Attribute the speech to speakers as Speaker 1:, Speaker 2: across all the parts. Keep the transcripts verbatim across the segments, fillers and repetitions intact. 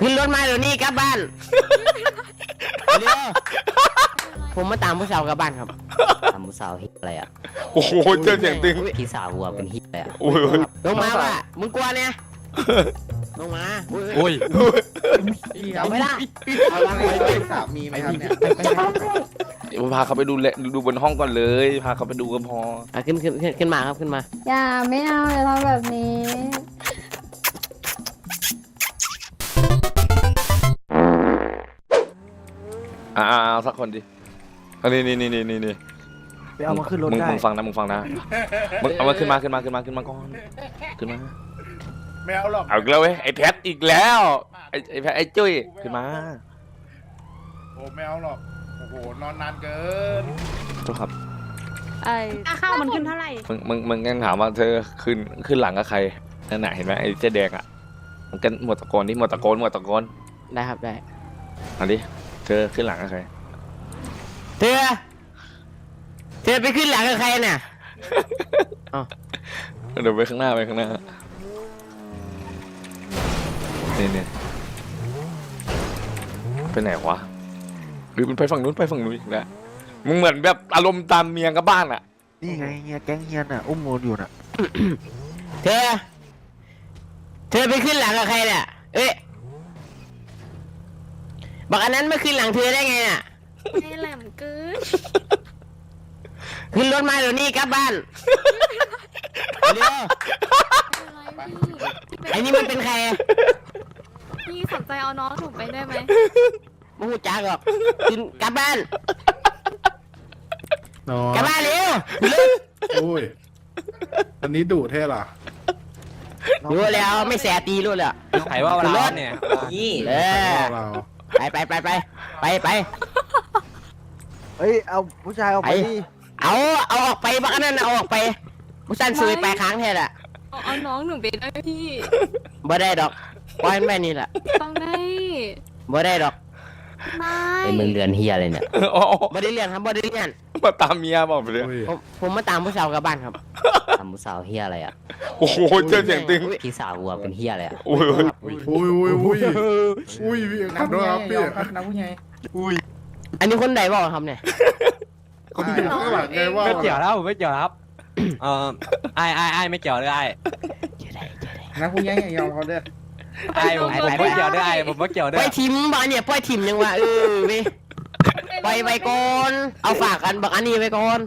Speaker 1: ขึ้นรถมาเดี๋ยวนี้กลับบ้านเร็วผมมาตามผู้สาวกลับบ้านครับตามผู้สาวฮิตอะไรอ่ะ
Speaker 2: โอ้โหเจอเสียงตึง
Speaker 1: พี่สาววัวเป็นฮิตเลยอ่ะ
Speaker 2: โอ้ย
Speaker 1: ลงมาว่ะมึงกลัวเนี่ยลงมา
Speaker 2: โอ้ย
Speaker 1: เอาไม่ได้
Speaker 3: เอาวางไว้ด้วยสามีไหมครับเนี่ย
Speaker 2: พาเขาไปดูแลดูบนห้องก่อนเลยพาเขาไปดูก็พอ
Speaker 1: อ่ะขึ้นขึ้นขึ้นมาครับขึ้นมา
Speaker 4: อย่าไม่เอาอย่าทำแบบนี้
Speaker 2: อ่าสักคนดิอันนี้นี่นี่นี่นี่นี่
Speaker 5: ไปเอามาขึ้นรถได้
Speaker 2: มึงฟังนะมึงฟังนะมึงเอามาขึ้นมาขึ้นมาขึ้นมาขึ้นมาก่อนขึ้นมา
Speaker 3: ไม่เอาหรอก
Speaker 2: เอาอีกแล้วเว้ยไอ้แพทอีกแล้วไอ้ไอ้แพทไอ้จุ้ยขึ้นมา
Speaker 3: โอ้ไม่เอาหรอกโอ้โหนอนนานเกิน
Speaker 2: ทุกครับ
Speaker 4: ไอ้ข้าวมันขึ้นเท่าไหร่
Speaker 2: มึงมึงมึงยังถามว่าเธอขึ้นขึ้นหลังกับใครนั่นน่ะเห็นไหมไอ้เจ๊แดงอ่ะมันกันหมดตะโกนที่หมดตะโกนหมดตะโกน
Speaker 1: ได้ครับได้
Speaker 2: อันนี้เธอขึ้นหลังกับใคร
Speaker 1: เธอเธอไปขึ้นหลังกับใครเนี่ย
Speaker 2: เดี๋ยวไปข้างหน้าไปข้างหน้าเนี่ยเนี่ยไปไหนวะหรือมันไปฝั่งนู้นไปฝั่งนู้นอีกแล้วมึงเหมือนแบบอารมณ์ตามเมียกับบ้านอ่ะ
Speaker 5: นี่ไงเฮียแก๊งเฮียน่ะอุ้มโมนอยู่น่ะ
Speaker 1: เธอเธอไปขึ้นหลังกับใครเนี่ยเอ๊ะบอกอันนั้นไม่ขึ้นหลังเธอได้ไงน่ะ
Speaker 4: ไอ้แหลมเกิน
Speaker 1: ขึ้นรถมาเดี๋ยวนี้กลับบ้านเร็วไอ้นี่มันเป็นใคร
Speaker 4: พี่สนใจเอาน้องถูกไปได้ไหม
Speaker 1: ไม่หูจักหรอกขึ้นกลับบ้านกลับบ้านเร็ว
Speaker 3: โอ้ยอันนี้ดุเท่หรอ
Speaker 1: รู้แล้วไม่แสตีรู้แล้ว
Speaker 6: ใครว่าเราเนี่ย
Speaker 1: นี่เออไปไปไปไปไปไป
Speaker 5: เฮ้ยเอาผู้ชายเอาไป
Speaker 1: เอาเอาออกไปบ้านนั่นเอาออกไปผู้ชายซื้อไปค้างแทนอะ
Speaker 4: เอาน้องหนูไปได้พี่
Speaker 1: บ่ได้ดอกปล่อยแม่นี่แหละ
Speaker 4: ต้องได้
Speaker 1: บ่ได้ดอก
Speaker 4: ไม่
Speaker 1: ไอ้มึงเรียนเฮียอะไรเนี่ยบ่ได้เรียนครับบ่ได้เรียน
Speaker 2: มาตามเมียบอกไปเลย
Speaker 1: ผมมาตามผู้สาวกลับบ้านครับตามผู้สาวเฮียอะไรอ่ะ
Speaker 2: โอ้โหเจอเสียงตึง
Speaker 1: พี่สาววัวเป็นเฮียอะไรอ่ะ
Speaker 2: อุ้ย
Speaker 3: อุ้ยอุ้ยอุ้ยอุ้ยนักด้วยครับพี่
Speaker 6: นักผู้ใหญ่
Speaker 1: อุ้ยอันนี้คนไหนบอกครับเนี่ย
Speaker 3: คนที่ข้างหลังไงว่า
Speaker 6: ไม่เกี่ยวแล้วไม่เกี่ยวครับเออไอ้ไอ้ไอ้ไม่เกี่ยวเลยไอ้
Speaker 3: นักผู้ใหญ่ยอมเขาเด้อ
Speaker 6: ไอ้ผมไม่เกี่ยวด้วยไอ้ผมไม่เกี่ยวด้วย
Speaker 1: ปล่อยทิมบ้านเนี่ยปล่อยทิมยังวะเออไปปล่อยไปก่อนเอาฝากกันบอกอันนี้ไปก่อน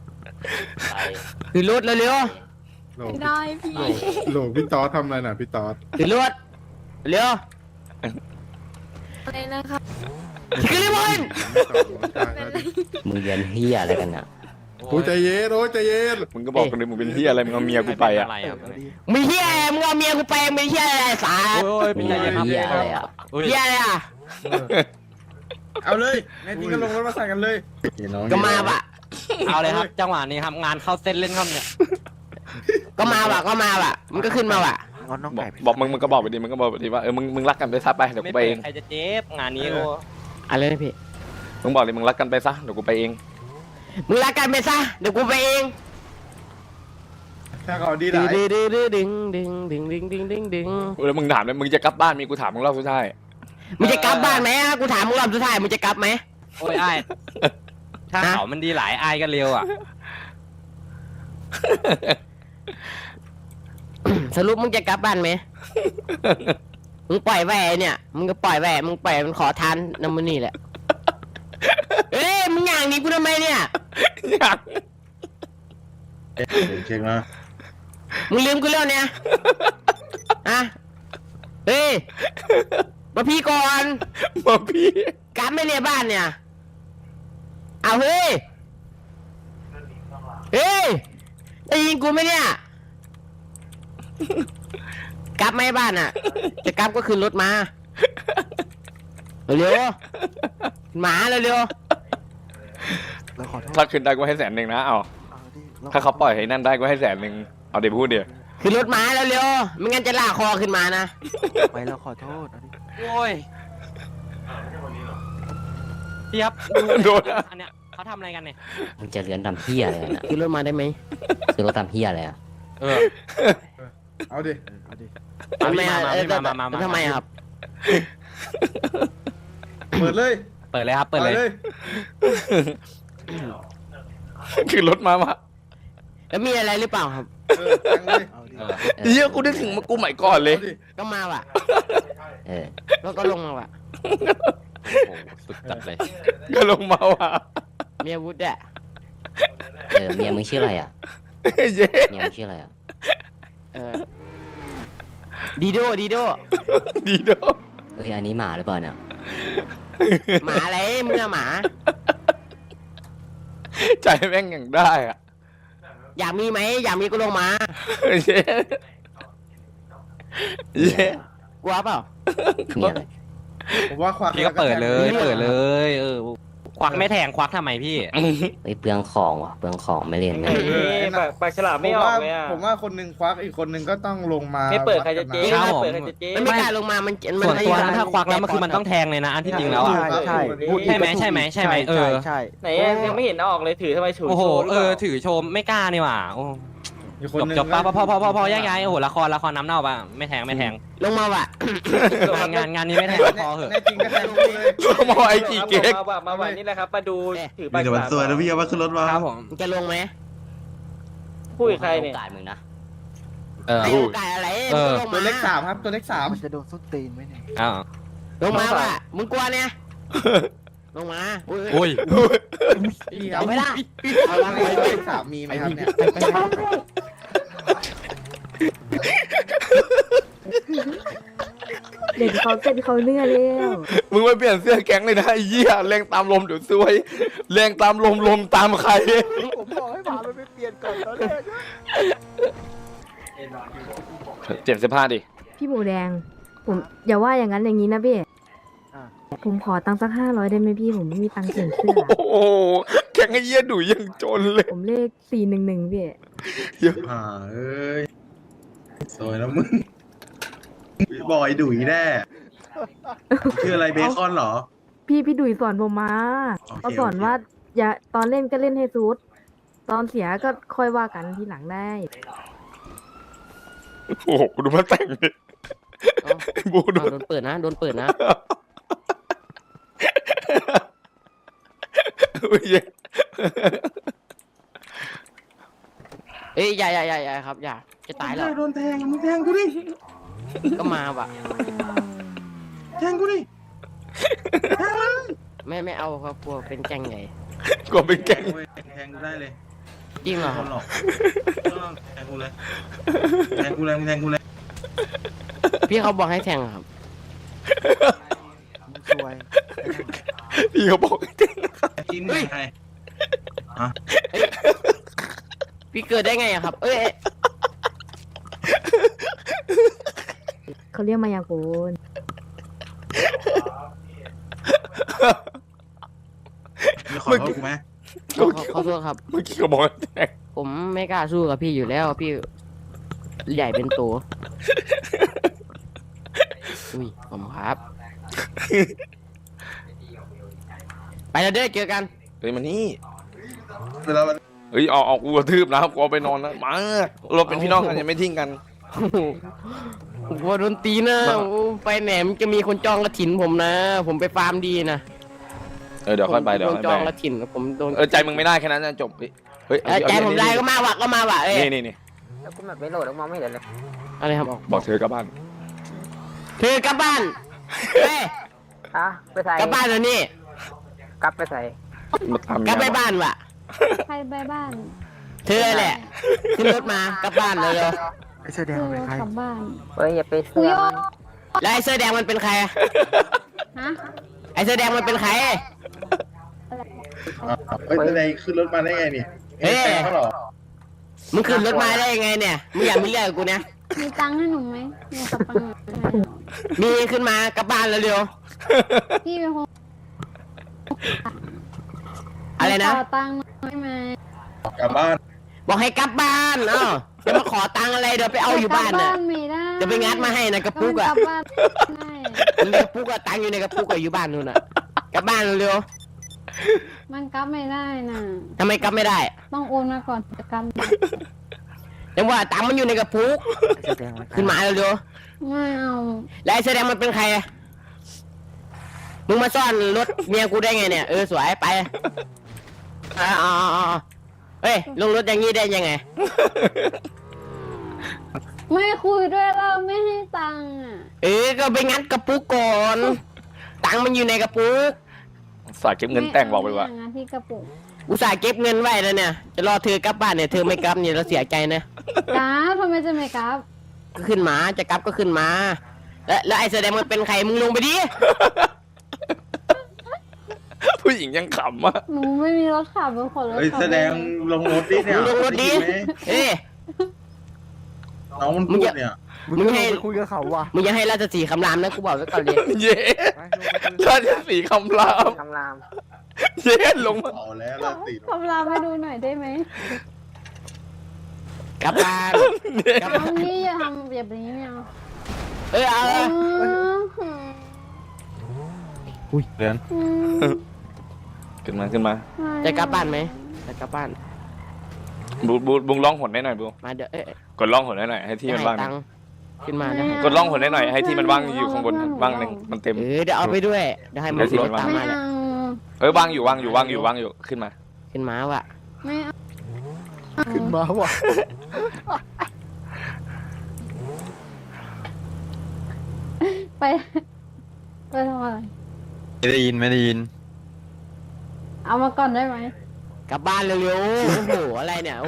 Speaker 1: คือรถเร็ว
Speaker 4: ๆได้พี่
Speaker 3: โหลพี่ตอสทำอะไรน่ะพี่ตอส
Speaker 1: คือรถเร็ว
Speaker 4: อะไรนะครับ
Speaker 1: คือรีบอนมึงเรียนเฮียอะไรกันอ่ะ
Speaker 3: โอ้ใจเย็นโอ้ใจเย็น
Speaker 2: มึงก็บอกกันเลยมึงเป็นเฮียอะไรมึงเอาเมียกูไปอ่ะ
Speaker 1: มึงเฮียมึงเอาเมียกูไปมึงเฮียอะไรสา
Speaker 6: โอ้ยเป็นเฮีย
Speaker 1: อะไรอ่ะเฮียอะไรอ่ะ
Speaker 3: เอาเลยในที่ก็ลงรถมาใส่กันเลย
Speaker 1: ก็มาปะ
Speaker 6: เอาเลยครับจังหวะนี้ครับงานเข้าเส้นเล่นครับเนี่ย
Speaker 1: ก็มาปะก็มาปะมึงก็ขึ้นมาปะ
Speaker 2: บอกมึงมึงก็บอกไปดิมึงก็บอกไปดิว่าเออมึงมึงรักกันไปซะไปเดี๋ยวกูไปเอง
Speaker 6: ใครจะเจ็บงานนี้โอ้
Speaker 1: อะไรนะพี่
Speaker 2: มึงบอกเลยมึงรักกันไปซะเดี๋ยวกูไปเอง
Speaker 1: มึงรักกันไปซะเดี๋ยวกูไปเอง
Speaker 3: ถ้าเขาดีได้
Speaker 1: ดึงดึงดึงดึงดึงดึงดึงดึงดึง
Speaker 2: แล้วมึงถามเลยมึงจะกลับบ้านมีกูถามมึงรอบสุดท้าย
Speaker 1: มึงจะกลับบ้านไหมกูถามมึงรอบสุดท้ายมึงจะกลับไหม
Speaker 6: โอ้ยไอ้ถ้าเขามันดีหลายไอ้ก็เร็วอ่ะ
Speaker 1: สรุปมึงจะกลับบ้านไหมมึงปล่อยแหวนเนี่ยมึงก็ปล่อยแหวนมึงปล่อยมันขอทานน้ำมันนี่แหละเอ้ยมึงอย่างนี้กูทำไมเนี่ย
Speaker 2: อยาก
Speaker 3: เช็คนะ
Speaker 1: มึงลืมกูแล้วเนี่ยอะเฮ้ยมาพี่ก่อน
Speaker 2: มาพี่
Speaker 1: กลับไม่เนี่ยบ้านเนี่ยเอาเฮ้ยเฮ้ยได้ยินกูไหมเนี่ยกลับไม่บ้านอ่ะจะกลับก็ขึ้นรถมาเร็วหมาเร็ว
Speaker 2: ถ้าขึ้นได้ก็ให้แสนหนึ่งนะเอาถ้าเขาปล่อยให้นั่นได้ก็ให้แสนหนึ่งเอาเดี๋ยวพูดเดี๋ยว
Speaker 1: ขึ้นรถมาเร็วไม่งั้นจะลากคอขึ้นมานะ
Speaker 5: ไปแล้วขอโทษ
Speaker 6: โอ้ยพี่ครับ
Speaker 2: โดน
Speaker 6: อันเนี้ยเขาทำอะไรกันเนี่ย
Speaker 1: มึงจะเรียนทำเพี้ยอะไรนะขึ้นรถมาได้ไหมขึ้นรถทำเพี้ยอะไรอ่ะ
Speaker 6: เออ
Speaker 3: เอาดิ
Speaker 1: เอาดิทำไมอ่ะทำไมครับ
Speaker 3: เปิดเลย
Speaker 6: เปิดเลยครับเปิดเลย
Speaker 2: คือรถมาว่ะ
Speaker 1: แล้วมีอะไรหรือเปล่าครับ
Speaker 3: เออแทงเลย
Speaker 5: เอาดิ
Speaker 6: เออ
Speaker 2: เฮียกูนึกถึงมากูใหม่ก่อนเลย
Speaker 3: เอาดิ
Speaker 1: ก็มาว่ะ
Speaker 7: เออ
Speaker 1: แล้วก็ลงมาว่ะ
Speaker 6: โอ้โหสุดจัดเลย
Speaker 2: ก็ลงมาว่ะ
Speaker 1: มีอาวุธอะ
Speaker 7: เออเมียมึงชื่ออะไรอ่ะ
Speaker 2: เย้
Speaker 7: เมียมึงชื่ออะไรอ่ะ
Speaker 1: เออดีโดดีโด
Speaker 2: ดีโด
Speaker 7: เฮ้ยอันนี้หมาหรือเปล่าเนี่ย
Speaker 1: หมาอะไรมึงอะหมา
Speaker 2: ใจแม่งอย่างได้อ่ะ
Speaker 1: อยากมีไหมอยากมีก็ลงมา
Speaker 2: เย้เย้
Speaker 1: กลัวเปล่า
Speaker 7: เมียอะไร
Speaker 3: ผมว่าควัก
Speaker 6: พี่ก็เปิดเลย เปิดเลย เออ ควักไม่แทงควักทำไมพี่
Speaker 7: เฮ้ยเปลืองของว่ะเปลืองของไม่เล่นนะ
Speaker 3: เออ
Speaker 8: ปากปากฉลามไม่ออกเลยอ่ะ
Speaker 3: ผมว่าคนหนึ่งควักอีกคนหนึ่งก็ต้องลงมา
Speaker 8: ไม่เปิดใครจะเจ๊
Speaker 6: ครับ
Speaker 8: ไม่
Speaker 6: ผม
Speaker 8: เปิดใครจะเจ๊
Speaker 1: มันไม่กล้าลงมามันมั
Speaker 6: ส่วนตัวนั้น
Speaker 1: ไม่
Speaker 6: ถ้าควักแล้วมันคือมันต้องแทงเลยนะ อันที่จริงแล้วอ่ะ
Speaker 5: ใช่ใช่พูดอีก
Speaker 6: ใช่ไหม
Speaker 5: ก็ถูก
Speaker 6: ใช่ไหมใช่ไหมเออ
Speaker 5: ใช่
Speaker 8: ไหนอะยังไม่เห็นเอาออกเลยถือทำไมถือ
Speaker 6: โอ้โห
Speaker 8: โชว์หรื
Speaker 6: เอ
Speaker 8: ป
Speaker 6: อ
Speaker 8: ล่า
Speaker 6: ถือโชมไม่กล้านี่หว่าโอ้
Speaker 3: อีกคน
Speaker 6: จบ
Speaker 3: หนึ่ง
Speaker 6: จบปะพอพอพอพอพอ
Speaker 3: ก็
Speaker 6: แยกย้ายโอ้โหละครละครน้ำเน่าปะไม่แทงไม่แทง
Speaker 1: ลงมาว่ะ
Speaker 6: งานงานงานนี้ไม่แทงพอเหอะ
Speaker 3: แน่จริงก็แทงกูเลย
Speaker 2: ลงมาไอ้กี่เก๊ก
Speaker 8: มาว่ามาว่านี่แหละครับมาดูถือปาก
Speaker 9: มีแต่
Speaker 8: ฉ
Speaker 9: มัน
Speaker 8: ลาม
Speaker 9: สวยนะพี่เอามาขึ้นรถมา
Speaker 6: ครับผม
Speaker 1: มึงจะลงไหม
Speaker 8: พูดกับใครเนี่ย
Speaker 7: โอกาสมึงนะ
Speaker 6: เออ
Speaker 1: ไอ้โอกาสอะไร
Speaker 6: เออ
Speaker 1: มึง
Speaker 3: ตัว
Speaker 1: ลง
Speaker 3: เล็
Speaker 1: มาก
Speaker 3: สามครับตัวเล็กสาม
Speaker 5: มันจะโดนส้นตีนไหมเนี่ย
Speaker 6: อ้าว
Speaker 1: ลงมาว่ะมึงกลัวเนี่ยลงมาอุ้ย
Speaker 6: โอ้ย
Speaker 1: เอาไม่ได้
Speaker 3: เอาละตัวเล็กสามมีไหมครับเนี่ย
Speaker 4: เด็กเขาเป็นเขาเนื้อเร็ว
Speaker 2: มึงไปเปลี่ยนเสื้อแก๊งเลยนะไอ้เหี้ยแรงตามลมเดี๋ยวซวยแรงตามลมลมตามใคร
Speaker 5: ผมบอกให้หมามันไปเปลี่ยนก่อนตอนแรก
Speaker 2: เปลี่ยนเสื้อผ้าดิ
Speaker 4: พี่หมูแดง ผมอย่าว่าอย่างนั้นอย่างนี้นะพี่ผมขอตังค์สักห้าร้อยได้ไหมพี่ผมไม่มีตังค์เปลี่ยนเสื้อ
Speaker 2: โอ้โหแก๊งไอ้เหี้ยดุยังจนเลย
Speaker 4: ผมเลขสี่หนึ่งหนึ่งพี่
Speaker 9: อ่าเอ้ยสวยนะมึงบอยดุยแน่ชื่ออะไรเบคอนเหรอ
Speaker 4: พี่พี่ดุยสอนผมมา
Speaker 9: โอเค
Speaker 4: เขาสอน
Speaker 9: โอเค
Speaker 4: ว่า อย่าตอนเล่นก็เล่นให้ซูดตอนเสียก็ค่อยว่ากันทีหลังได้
Speaker 2: โอ้โหดูมันแต่งดิไอ้บูดู
Speaker 1: อ้าวโดนเปิดนะโดนเปิดนะ
Speaker 2: อุ้ยเหี้ย
Speaker 1: เอ้ยอย่าอย่าอย่าอย่าครับอย่าจะตายแล้ว
Speaker 9: โดนแทงมึงแทงกูดิ
Speaker 1: ก็มาว่ะ
Speaker 9: แทงกูดิ
Speaker 1: ไม่ไม่เอาครับกลัวเป็นแก๊งใหญ่
Speaker 2: กลัวเป็นแก๊ง
Speaker 9: แทงกูได้เลย
Speaker 1: จริงเหรอค
Speaker 9: ครับ นหรอกแทงกูเลยแทงกูเลยมึงแทงกูเลย
Speaker 1: พี่เขาบอกให้แทงอะครับ
Speaker 5: มึงซวย
Speaker 2: พี่เขาบอกให้แก๊ง
Speaker 9: จิ้นใคร
Speaker 1: พี่เกิดได้ไงอะครับ เอ้ยเอ้ย
Speaker 4: เขาเรียกมายากล
Speaker 9: มีขอโทษกูไหม
Speaker 1: ขอขอขอโทษครับ
Speaker 2: เมื่อกี้เขาบอกให้แก๊ง
Speaker 1: ผมไม่กล้าสู้กับพี่อยู่แล้วพี่ใหญ่เป็นตัวอุ้ยผมครับ ไปแล้วเด้อเจอกัน
Speaker 2: เฮ้ยมานี่
Speaker 9: เวลามัน
Speaker 2: เฮ้ยเอาเอากูกระทืบนะครับกูเอาไปนอนนะมาเราเป็นพี่น้องกันยังไม่ทิ้งกัน
Speaker 1: ผมกลัวโดนตีนะโอ้ไปแหนมจะมีคนจองกระถินผมนะ ผมไปฟาร์มดีนะ
Speaker 2: เออเดี๋ยวค่อยไปเดี๋ยว
Speaker 1: โด
Speaker 2: ค่
Speaker 1: น
Speaker 2: อย
Speaker 1: จอง
Speaker 2: ไป
Speaker 1: กระถินผมโดน
Speaker 2: เออใจมึงไม่ได้แค่นั้นนะจบเฮ้ย
Speaker 1: เออใจผมได้ก็มาว่ะก็มาว่ะเอ้ย
Speaker 2: นี่นี่นี่
Speaker 8: แล้วกูแบบไม่โหลดแล้วมองไม่เห็นเลย
Speaker 1: อะไรครับ
Speaker 2: บอกเธอกลับบ้าน
Speaker 1: เธอกลับบ้านเฮ้ย
Speaker 8: ฮะไปใส่
Speaker 1: กลับบ้านเดี๋ยวนี้
Speaker 8: กลับไปใส่
Speaker 2: มาทำ
Speaker 1: กลับไป
Speaker 2: งาน
Speaker 1: บ้านว่ะ
Speaker 4: ใครไปบ้าน
Speaker 1: เธอแหละขึ้นรถมากลับบ้านเลยเลย
Speaker 5: ไอ้เสื้อแดงมันเป็นใคร
Speaker 4: กลับบ้าน
Speaker 8: เฮ้ยอย่าไปเสือกมัน
Speaker 1: แล้วไอ้เสื้อแดงมันเป็นใครอะ
Speaker 4: ฮะ
Speaker 1: ไอ้เสื้อแดงมันเป็นใคร
Speaker 9: เฮ้ยอะไรขึ้นรถมาได้ไงนี่
Speaker 1: เฮ้ย
Speaker 9: แทงเขาเหรอ
Speaker 1: มึงขึ้นรถมาได้ยังไงเนี่ยมึงอยากมีเรื่องกับกูเนี่ย
Speaker 4: มีตังค์ให้หนูไหมมีกระปัง
Speaker 1: มีขึ้นมากลับบ้านเร็ว
Speaker 4: พี่เป็นคน
Speaker 1: ๆอะไรนะ
Speaker 4: ขอตังค์ได้ไหม
Speaker 9: กลับบ้าน
Speaker 1: บอกให้กลับบ้านเอ้าจะมาขอตังค์อะไรเดี๋ยวไปเอาอยู่บ้าน
Speaker 4: กลั
Speaker 1: น่ะ
Speaker 4: ไม่ได้
Speaker 1: จะไปงัดมาให้นะกระปุก
Speaker 4: ก
Speaker 1: อะ
Speaker 4: ลับบ้านได้
Speaker 1: มันมีกระปุกอะตังค์อยู่ในกระปุกอะอยู่บ้านนู่นอะกลับบ้านเร็ว
Speaker 4: มันกลับไม่ได้น่ะ
Speaker 1: ๆทำไมกลับไม่ได้
Speaker 4: ต้องโอนมาก่อนจะกลับ
Speaker 1: แต่ว่าตังค์มันอยู่ในกระปุก
Speaker 5: แสดงไว้
Speaker 1: ขึ้นมาเร็ว
Speaker 4: ไม่เอา
Speaker 1: ๆแล้วไอ้แสดงมันเป็นใครอะมึงมาซ่อนรถเมียกูได้ไงเนี่ยเออสวยไปอ๋ออ๋ออ๋อเฮ้ยลงรถอย่างงี้ได้ยังไง
Speaker 4: ไม่คุยด้วยเราไม่ให้ตังค์อ่ะ
Speaker 1: เออก็ไปงัดกระปุกก่อนตังค์มันอยู่ในกระปุก
Speaker 2: สายเก็บเงินแต่งบอกไปว่า
Speaker 4: ม่เงานที่กระปุก
Speaker 1: อุตส่าห์เก็บเงินไว้แล้วเนี่ยจะรอเธอกลับบ้านเนี่ยเธอไม่กลับเนี่ยเราเสียใจนะ
Speaker 4: กราฟทำไมจะไม่กราฟ
Speaker 1: ก็ขึ้นมาจะกลับก็ขึ้นมา แล้วแล้วไอ้แสดงมันเป็นใครมึงลงไปดิ
Speaker 2: ผู้หญิงยังขำอ่ะ
Speaker 4: หนูไม่มีรถขับเป็นคนรถ
Speaker 9: เฮ้ย
Speaker 4: ขับ
Speaker 9: แสดงลงรถดิเนี่ย
Speaker 1: มึงลงรถดิ
Speaker 9: ไไหม
Speaker 1: เอ้ย
Speaker 9: น้องมันพูดเนี่ย
Speaker 5: มึง
Speaker 1: มึง
Speaker 5: จะ
Speaker 1: ให้
Speaker 5: ลงไปคุยกับเขาว่ะ
Speaker 1: มึงอย่าให้ราชสีห์คำรามนะกูบอกไว้ก่อนเลย
Speaker 2: เย้
Speaker 5: ไปลงไปคุย
Speaker 2: ราชสีห์คำราม
Speaker 8: คำราม
Speaker 2: เย้ลงมา
Speaker 9: เอาแล้วละติด
Speaker 4: ขับรามให้ดูหน่อยได้ไหม
Speaker 1: กลับบ้านกลับ
Speaker 4: น้องนี่อย่าทำแบบนี้ไม่เอา
Speaker 1: เออเอา
Speaker 4: เอ
Speaker 1: เอา
Speaker 4: อ
Speaker 9: อุ้ยเรียน
Speaker 4: อืม
Speaker 2: ขึ้นมาขึ้นมา
Speaker 1: จะกลับบ้านไหมจะกลับบ้าน
Speaker 2: บูบูบุงร้องหนได้หน่อยบู
Speaker 1: มาเดี๋ยวเอ้ย
Speaker 2: กดร้องหนได้หน่อยให้ที่มันว่างห
Speaker 1: ให้
Speaker 2: นึ่
Speaker 1: ตั
Speaker 2: ง
Speaker 1: งค์ขึ้นมาได้
Speaker 2: กดร้องหนได้หน่อยให้ที่มันว่างอยู่ข้างบนว่างหนึ่งมันเต็ม
Speaker 1: เออเดี๋ยวเอาไปด้วยเดี๋ยวให้มัน
Speaker 2: เดี๋ยวที่
Speaker 1: ร
Speaker 2: มั
Speaker 1: ถ
Speaker 2: นว่าง
Speaker 1: ตาม
Speaker 4: ไม่
Speaker 1: มาแหละ
Speaker 4: เอา
Speaker 2: เอ้ยว่างอยู่ว่างอยู่ว่างอยู่ว่างอยู่ขึ้นมา
Speaker 1: ขึ้นมาว่ะ
Speaker 4: ไม่เอา
Speaker 5: ขึ้นมาว่ะ
Speaker 4: ไปไปทำอะไร
Speaker 6: ไม่ได้ยินไม่ได้ยิน
Speaker 4: เอามาก่อนได้ไหม
Speaker 1: กลับบ้านเร็วๆโอ้โหอะไรเนี่ยโอ้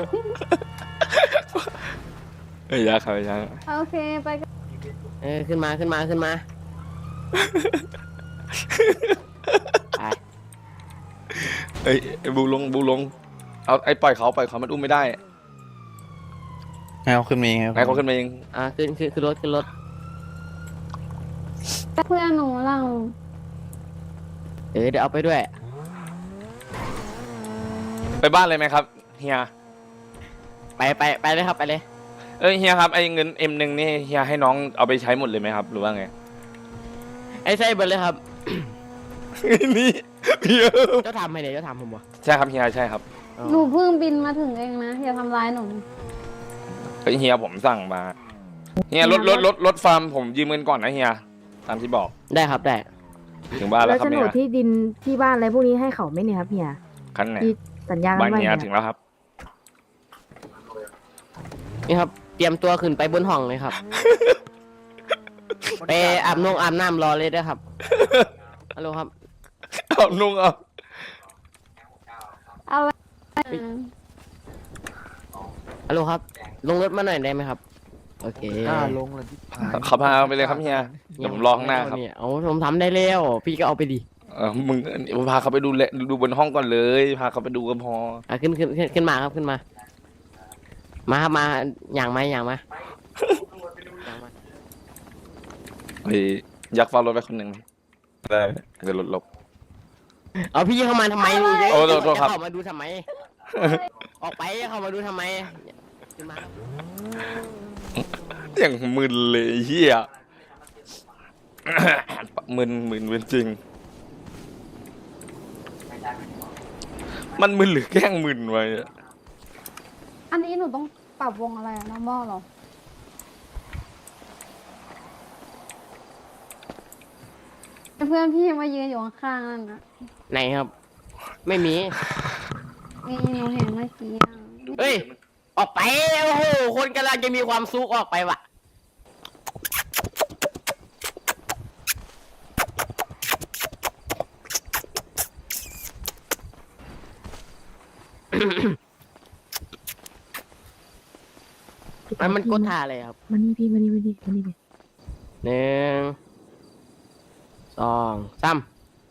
Speaker 2: เอ้ยยาครับยา
Speaker 4: โอเคไปกัน
Speaker 1: เออขึ้นมาขึ้นมาขึ้นมาไป
Speaker 2: เอ้ยไอ้บูลงบูลงเอาไอ้ปล่อยเขาปล่อยเขามันอุ้มไม่ได้
Speaker 6: ให้เขาขึ้นมาเอง
Speaker 2: ให้เขาขึ้นมาเอง
Speaker 1: อ่ะขึ้นขึ้นขึ้นรถขึ้นรถ
Speaker 4: เพื่อนหนูเรา
Speaker 1: เออเดี๋ยวเอาไปด้วย
Speaker 2: ไปบ้านเลยไหมครับเฮีย
Speaker 1: ไปไปไปเลยครับไปเลย
Speaker 2: เอ้ยเฮียครับไอ้เงินเอ็มหนึ่งนี่เฮียให้น้องเอาไปใช้หมดเลยไหมครับหรือว่าไง
Speaker 1: ไอ้ไส้เบิร์ดเลยครับ
Speaker 2: นี่เฮีย
Speaker 1: เจ้าทำให้เนี่ยเจ้าทำผมวะ
Speaker 2: ใช่ครับเฮียใช่ครับ
Speaker 1: อ๋อ
Speaker 4: หนูเพิ่งบินมาถึงเองนะอย่าทำร้ายหนู
Speaker 2: เฮ้ยเฮียผมสั่งมาเฮียรถรถรถรถฟาร์มผมยืมเงินก่อนนะเฮียตามที่บอก
Speaker 1: ได้ครับได้
Speaker 2: ถึงบ้านแล้
Speaker 4: แล้ว ว
Speaker 2: ครับ
Speaker 4: โฉน
Speaker 2: เฮี
Speaker 4: ด
Speaker 2: ย
Speaker 4: ที่ดินที่บ้านอะไรพวกนี้ให้เขาไหม่เนี่ยครับเฮีย
Speaker 2: คันไหน
Speaker 4: ที่สัญญากัน
Speaker 2: บ้าน
Speaker 4: ไว้
Speaker 2: เฮีย
Speaker 4: เนี่ย
Speaker 2: ถึงแล้วครับ
Speaker 1: นี่ครับ เตรียมตัวขึ้นไปบนห้องเลยครับ ไปอาบนงอาบน้ำรอเลยด้วยครับฮัลโหลครับ
Speaker 2: เอานุ่งเอา
Speaker 4: เอาไว้
Speaker 1: ฮัลโหลครับ ลงรถมาหน่อยได้ไหมครับ โอเค
Speaker 5: กล้าลงเลยที่ผาย
Speaker 2: ขับพาไปเลยครับเฮียเดี๋ยวผมรอข้างหน้าครับ
Speaker 1: เนี่ยเอาผมทำได้แล้วพี่ก็เอาไปดิ
Speaker 2: เออมึงพาเขาไปดูแลดูบนห้องก่อนเลยพาเขาไปดูก็พอ
Speaker 1: อ่ะขึ้นขึ้นขึ้นขึ้นมาครับขึ้นมา มาครับมาอย่างมาอย่างมาอย่างมา
Speaker 2: เฮ้ยอยากเฝ้ารถไปคนหนึ่งได้เดี๋ยวรถหลบ
Speaker 1: เอาพี่เข้ามาทำไมนี่
Speaker 2: โอ้โทษโทษครับ
Speaker 1: จะเข้ามาดูทำไม ออกไปเข้ามาดูทำไมขึ้นมาครับ
Speaker 2: อย่างมึนเลยเฮีย มึนมึนเป็นจริง มันมึนหรือแกล้งมึนไว้อะ
Speaker 4: อันนี้หนูต้องปรับวงอะไรอะน้องมอเหรอเพื่อนพี่มายืนอยู่ข้างๆนั่นนะ
Speaker 1: ไหนครับ ไม่มี
Speaker 4: นี่หนูเห็นเมื่อกี้อะ
Speaker 1: เฮ้ย ออกไป โอ้โห คนกำลังจะมีความสุขออกไปว่ะ มันมันกดท่าอะไรครับ
Speaker 4: มันนี่พี่มันนี่มันนี่มันนี่พี่
Speaker 1: หนึ่ง สองสาม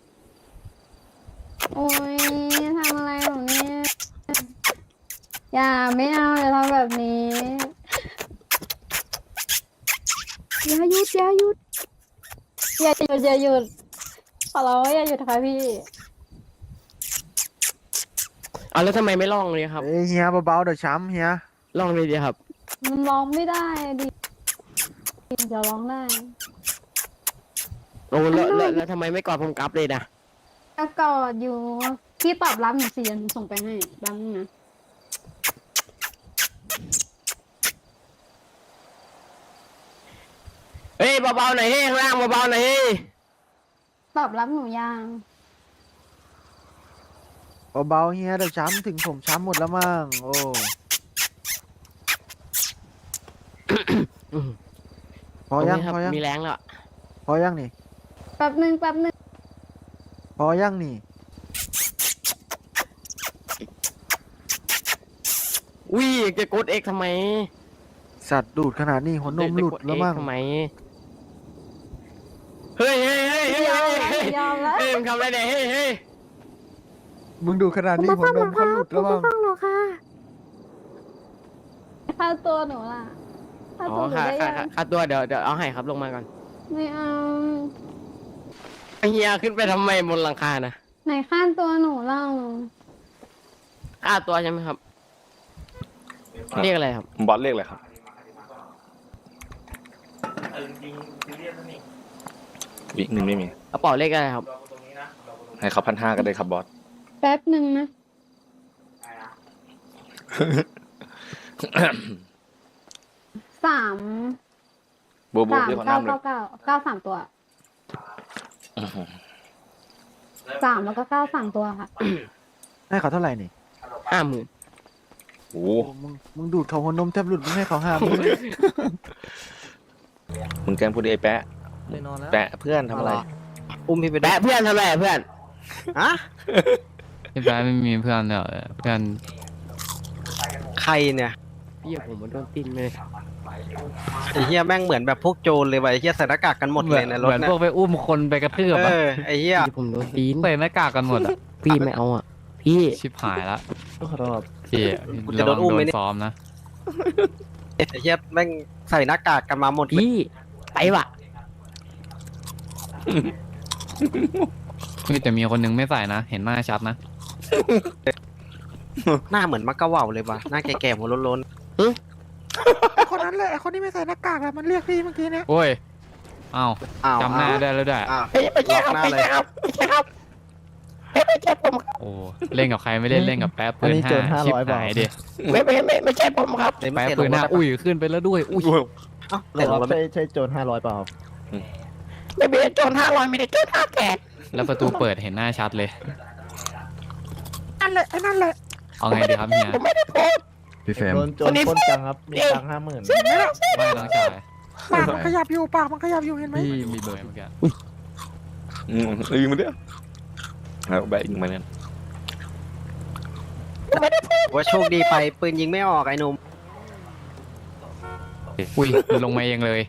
Speaker 4: โอ้ยทำอะไรหนูเนี่ยอย่าไม่เอาอย่าทำแบบนี้อย่าหยุดอย่าหยุดอย่าหยุดอย่าหยุดขอร้องอย่าหยุดค่ะพี่
Speaker 1: เอาแล้วทำไมไม่ลองเลยครับ
Speaker 5: เอ้ยเฮียเบาๆเดี๋ยวช้ำเฮีย
Speaker 1: ลองเลยดีครับ
Speaker 4: มันร้องไม่ได้อะดิเดี๋ยวร้องได้
Speaker 1: โอ้แล้วแล้วแล้วทำไมไม่กอดผมกลับเลยนะ
Speaker 4: ก็กอดอยู่พี่ตอบรับหนูสิเดี๋ยวหนูส่งไปให้แป๊บนึงนะ
Speaker 1: เบาๆหน่อยเฮ้ข้างล่างเบาๆหน่อยเฮ้
Speaker 10: ตอบรับหนูยัง
Speaker 5: เบาๆเฮียเดี๋ยวช้ำถึงผมช้ำหมดแล้วมั้งโอ้พอยัง
Speaker 1: ครับ
Speaker 5: พอยัง
Speaker 1: มีแรงแล้ว
Speaker 5: พอยังนี่
Speaker 10: แป๊บหนึ่งแป๊บหนึ่ง
Speaker 5: พอยังนี่
Speaker 1: อุ้ยจะกดเอ็กทำไม
Speaker 5: สัตว์ดูดขนาดนี้หัวนมหลุดแล้วมั้ง
Speaker 1: ทำไมเฮ้ยเฮ้ยเฮ้ยเฮ้ย
Speaker 10: ยอม
Speaker 1: เฮ้ย
Speaker 10: แล้วยอมแล้ว
Speaker 1: เฮ้ยมึงทำอะไรเนี่ยเฮ้ยเฮ้ย
Speaker 5: มึงดูดขนาดนี้หัวนมเขาหลุดแล้วมั้ง
Speaker 4: ฟังหนูค่ะ
Speaker 10: ค่าตัวหนูล่ะค่า
Speaker 1: อ๋
Speaker 10: ตัว
Speaker 1: อ
Speaker 10: หนู
Speaker 1: ค่า
Speaker 10: ได้
Speaker 1: ค่า
Speaker 10: ยัง
Speaker 1: ค่าตัวเดี๋ยวเดี๋ยวเอาให้ครับลงมาก่อน
Speaker 10: ไม่เอา
Speaker 1: เฮียขึ้นไปทำไมบนหลังคานะ
Speaker 10: ไหนค่าตัวหนูเล่า
Speaker 1: ค่าตัวใช่ไหมครับเรียกอะไรครับ
Speaker 2: บอสเรียกอะไรครับวิกหนึ่งไม่มี
Speaker 1: กระเป๋าเลขอะไรครับ
Speaker 2: ให้เขาพันห้าก็ได้ครับบอส
Speaker 10: แป๊บหนึ่งนะสาม
Speaker 2: โบโบ
Speaker 10: สาม
Speaker 2: เรียกขอ
Speaker 10: เก้า
Speaker 2: น้ำเลย
Speaker 10: เก้าเก้าเก้าสามตัวสามแล้วก็เก้าสามตัวค่ะ
Speaker 5: ให้เขาเท่าไหร่นี่
Speaker 1: ห้าหมื่น
Speaker 2: โอ้
Speaker 5: โอ้มึงมึงดูดเขาหัวนมแทบหลุดมึงให้เขาห้ามมึง
Speaker 2: มึงแกล้งพูดดิไอ้แปะ
Speaker 6: ไปนอนแล้ว
Speaker 2: แปะเพื่อนทำอะไร
Speaker 6: อุ้มพี่ไปด้ว
Speaker 1: แปะ
Speaker 6: ย
Speaker 1: เพื่อนทำอะไรเพื่อน
Speaker 6: ฮะ
Speaker 11: พี่แป๊ะไม่มีเพื่อนเดี๋ยวเพื่อน
Speaker 6: ใครเนี่ย
Speaker 1: พี่ผมมันโดนตีนเลย
Speaker 6: ไอ้เฮียแม่งเหมือนแบบพวกโจรเลยว่ะไอ้เฮียใส่หน้ากากกันหมดเลยในรถ
Speaker 11: เหมือน
Speaker 6: เนี่
Speaker 11: พ
Speaker 6: ยว
Speaker 11: กไปอุ้มคนไปกระทืบ
Speaker 6: เอ
Speaker 11: อะ
Speaker 6: อไอ้เฮีย
Speaker 1: พี่ผมโดนตีน
Speaker 11: ใส่หน้ากากกันหมดอะ
Speaker 1: พี่ไม่เอาอ่ะพี่
Speaker 11: ชิบหายละ
Speaker 1: ขอโทษ
Speaker 11: พี่
Speaker 6: กูจะโดนอุ้มไหมเนี่ย
Speaker 11: ซ้อมนะ
Speaker 6: ไอ้เฮียแม่งใส่หน้ากากกันมาหมดเลย
Speaker 1: พี่ไปว่ะ
Speaker 11: มีแต่มีคนหนึงไม่ใส่นะ เห็นหน้าชัดนะ
Speaker 6: หน้าเหมือนมักกะเหว่าเลยว่ะหน้าแก่ๆหัวโล้น
Speaker 5: คนนั้นแหละคนที่ไม่ใส่หน้ากากแหละมันเรียกพี่เมื่อกี้เนี่ย
Speaker 11: โอ้ยเอ้า
Speaker 6: ๆอ้าว
Speaker 11: จำหน้าได้แล้วด้วย
Speaker 6: อ้าว
Speaker 1: ไม่ไม่ใช่ครับ
Speaker 6: หน้า
Speaker 1: ไม่
Speaker 6: เลย
Speaker 1: ใช่ครับไม่ใช่ครับไม่ไม่ใช่ผมครับ
Speaker 11: โอ้เล่นกับใครไม่เล่นเล่นกับแป๊บปืนห้าชิบหายดิ
Speaker 1: ไม่ไม่ไม่ไม่ใช่ผมครับ
Speaker 6: เลยไม่
Speaker 11: แป๊บ
Speaker 6: เสีย
Speaker 11: ปืนห้า
Speaker 6: ลงรถ
Speaker 11: อุ้ยขึ้นไปแล้วด้วยอุ้ย
Speaker 6: เอ้าแต่ลงรถไม่
Speaker 5: ใช่โจรห้าร้อยเปล่า
Speaker 1: ไม่เป็นโจรห้าร้อยไม่ได้โจรห้าแสน
Speaker 11: แล้วประตูเปิดเห็นหน้าชัดเลย
Speaker 1: นั่นแหละไอ้นั่นแหละ
Speaker 11: เอาไงดีครับเฮีย
Speaker 1: ผมไม่ได้โพสต์
Speaker 12: พี่เฟรม
Speaker 5: โดนโจรปล้นจังครับมีตังค์ห้าหมื่น
Speaker 11: ไม่ต้องจ่าย
Speaker 5: ปากมันขยับอยู่ปากมันขยับอยู่เห็นไหม
Speaker 11: พี่มีเบอร์เมื่อกี้
Speaker 2: อืมยิงมาเด้อเอาแบะยิงมาเนี่ย
Speaker 6: ว่าโชคดีไปปืนยิงไม่ออกไอ้หนุ่ม
Speaker 11: อุ้ยลงมาเองเลย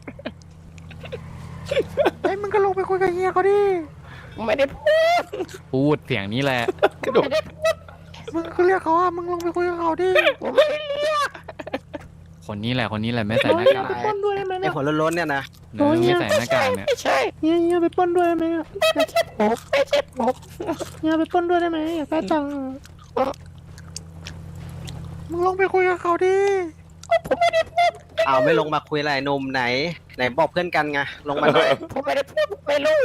Speaker 5: ไอ้ยมึงก็ลงไปคุยกับเฮียเขาดิ
Speaker 1: ไม่ได้พูด
Speaker 11: พูดเสียงนี้แหละ
Speaker 1: ไม่ได้พูด
Speaker 5: มึงก็เรียกเขาอ่ะมึงลงไปคุยกับเขาดิ
Speaker 1: ผมไม่ได้เรียก
Speaker 11: คนนี้แหละคนนี้แหละไม่ใส่หน้ากาก
Speaker 5: ปล้นด้วยได้ไหม
Speaker 6: ไอ้
Speaker 5: เนี่ย
Speaker 6: หัวโล้นๆเนี่ยนะ
Speaker 11: เนอะไม่ใส่หน้ากากเนี่ย
Speaker 1: ไม่ใช่
Speaker 5: เฮียเฮียไปปล้นด้วยได้ไหมอะ
Speaker 1: ไม่ใช่ผมไม่ใช่ผม
Speaker 5: เฮียไปปล้นด้วยได้ไหมอยากได้ตังค์อะมึงลงไปคุยกับเขาดิ
Speaker 1: ผมไม่ได้พูด
Speaker 6: อ้าวไม่ลงมาคุยอะไรไอ้หนุ่มไหน ไหนบอกเพื่อนกันไงลงมาหน่อย
Speaker 1: ผมไม่ได้พูดผมไม่รู้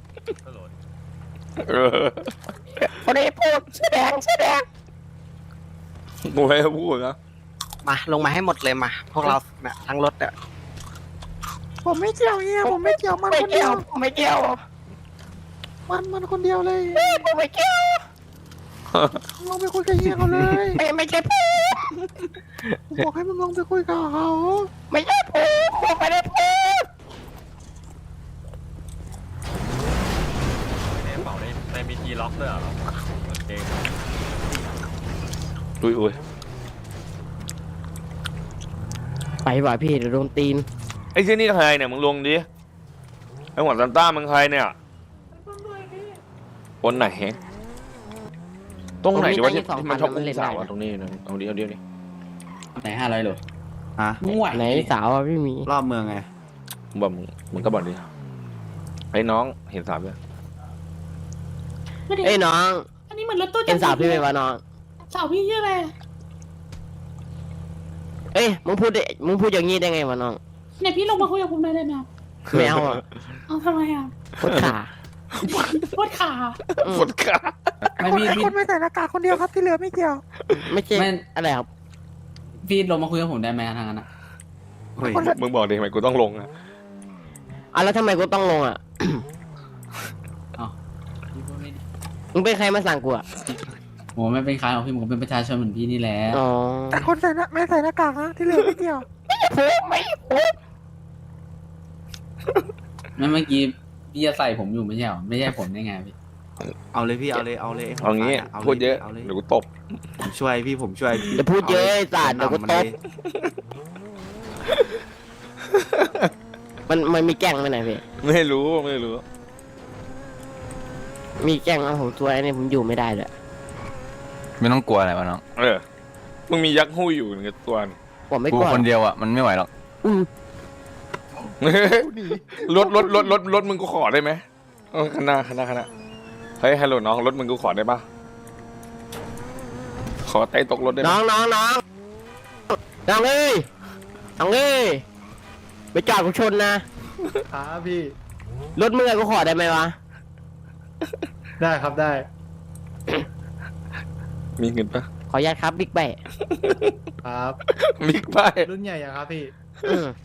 Speaker 2: เออ
Speaker 1: ผมไม่ได้พูดแสดงแสดง
Speaker 2: กูให้พูดนะ
Speaker 6: มาลงมาให้หมดเลยมา พวกเราเนี่ยทั้งรถเนี่ย
Speaker 5: ผมไม่เกี่ยวเฮียผมไม่เกี่ยวมัน
Speaker 1: ไม่
Speaker 5: คนเดี
Speaker 1: เกี่
Speaker 5: ย
Speaker 1: ยว วไม่เกี่ยว
Speaker 5: มันมันคนเดียวเลย
Speaker 1: ผมไม่เกี่ยว
Speaker 5: มึงลงไปคุยกับเฮียเขาเลย
Speaker 1: ไม่ไม่ใช่ผม
Speaker 5: ผมบอกให้มึงลงไปคุยกับเขา
Speaker 1: ไม่ใช่ผมผมไม่ได้พูด
Speaker 2: อุ้ยอุ้ย
Speaker 1: ไปว่ะพี่เดี๋ยวโดนตีน
Speaker 2: ไอ้ที่นี่ใครเนี่ยมึงลงดิไอ้หัวซันต้ามึงใครเนี่ยคนไหนตรงไหนดีวะที่ที่มันชอบอุ้มสาวอะตรงนี้นะเอาเดียวเดียวนี่
Speaker 12: ไหนห้าร้อยโลฮะ
Speaker 1: ไหนสาวอ่ะพี่มี
Speaker 12: รอบเมืองไง
Speaker 2: มึงบอกมึงมึงก็บอกดิไอ้น้องเห็นสาวไหม
Speaker 1: เอ้ยน้อง
Speaker 10: อันนี้เหมือนรถตู้
Speaker 1: เห็นสาวพี่ไหมวะน้อง
Speaker 10: สาวพี่ชื่ออะไร
Speaker 1: เอ้ยมึงพูดได้มึงพูดอย่างงี้ได้ไงวะน้อง
Speaker 10: เนี่ยพี่ลงมาคุยกับผมได้เลยไหมครับ
Speaker 1: ไม่เอาอ่ะ
Speaker 10: เอาทำไมอ่ะ
Speaker 1: โคตรขา
Speaker 10: โคตรขา
Speaker 1: อืม
Speaker 2: ฝนขา
Speaker 12: ไม่พี่พี่
Speaker 5: คนไม่ใส่หน้ากากคนเดียวครับที่เหลือไม่เกี่ยว
Speaker 1: ไม่ใช่
Speaker 12: ไม่
Speaker 1: อะไรครับ
Speaker 12: พี่ลงมาคุยกับผมได้ไหมทางนั้นอะ
Speaker 2: เฮ้ยมึงบอกดิทำไมกูต้องลงอะ
Speaker 1: อ่ะแล้วทำไมกูต้องลงอ่ะ
Speaker 12: เอ้าพี่พูดไม่ดี
Speaker 1: มึงเป็นใครมาสั่งกูอ่ะ
Speaker 12: ผมไม่เป็นใครหรอกพี่ผมก็เป็นประชาชนเหมือนพี่นี่แหละ
Speaker 1: อ๋อ
Speaker 5: แต่คนใส่หน้าไม่ใส่หน้ากากนะที่เหลือไม่เกี่ยว
Speaker 12: ไม่เมื่อกี้พี่จะใส่ผมอยู่ไม่ใช่หรอไม่ใช่ผมได้ไงพี่
Speaker 6: เอาเลยพี่เอาเลยเอาเลย
Speaker 2: เอางี้พูดเยอะเดี๋ยวกูตบ
Speaker 6: ผมช่วยพี่ผมช่วยพี่
Speaker 1: อย่าพูดเยอะไอ้สัตว์เดี๋ยวกูตบ มันมันมีแกล้งไหมไหนพี่
Speaker 2: ไม่รู้ไม่รู้
Speaker 1: มีแกล้งเอาผมตัวไอ้นี่ผมอยู่ไม่ได้เลย
Speaker 11: ไม่ต้องกลัวอะไรวะน้อง
Speaker 2: เออมึงมียักษ์หุ้ยอยู่ในตัวนี่
Speaker 1: ผมไม่
Speaker 11: กู
Speaker 1: กลัว
Speaker 11: คนเดียวอ่ะมันไม่ไหวหรอก
Speaker 1: อืม
Speaker 2: รถรถรถรถรถมึงกูขอได้ไหมเออคณะคณะคณะเฮ้ยฮัลโหลน้องรถมึงกูขอได้ปะขอไต่ตกรถได้ไหม
Speaker 1: น้องน้องน้องน้องเอ้ยน้องเอ้ยไปจอดกูชนนะครับ
Speaker 5: พี่
Speaker 1: รถมึงอะกูขอได้ไหมวะ
Speaker 5: ได้ครับได้
Speaker 2: มีเงินปะ
Speaker 1: ขออนุญาตครับบิ๊กไบค์
Speaker 5: ครับ
Speaker 2: มิกไป
Speaker 5: รุ่นใหญ่ยังครับพี่
Speaker 1: อืม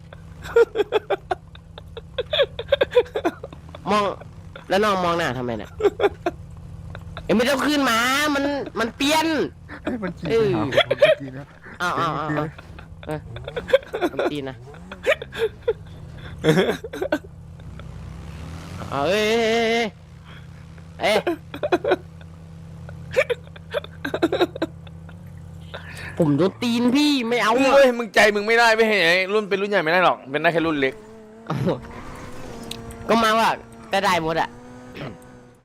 Speaker 1: มองแล้วน้องมองหน้าทำไมเนี่ยเอ้ยไม่ต้องขึ้นมา มันมันเปลี่ยน
Speaker 5: มันจี
Speaker 1: เออ
Speaker 5: มันจีนะ
Speaker 1: อ้าวอ้าวอ้าวอ้าวเออมันตีนนะเอาเอ้ยเอ้ยเอ้ยเอ้ยผมโดนตีนพี่ไม่เอา
Speaker 2: เฮ้ยมึงใจมึงไม่ได้ไม่เห็นไอ้รุ่นเป็นรุ่นใหญ่ไม่ได้หรอกเป็นได้แค่รุ่นเล็ก
Speaker 1: ก็มาว่าก็ได้หมดอะ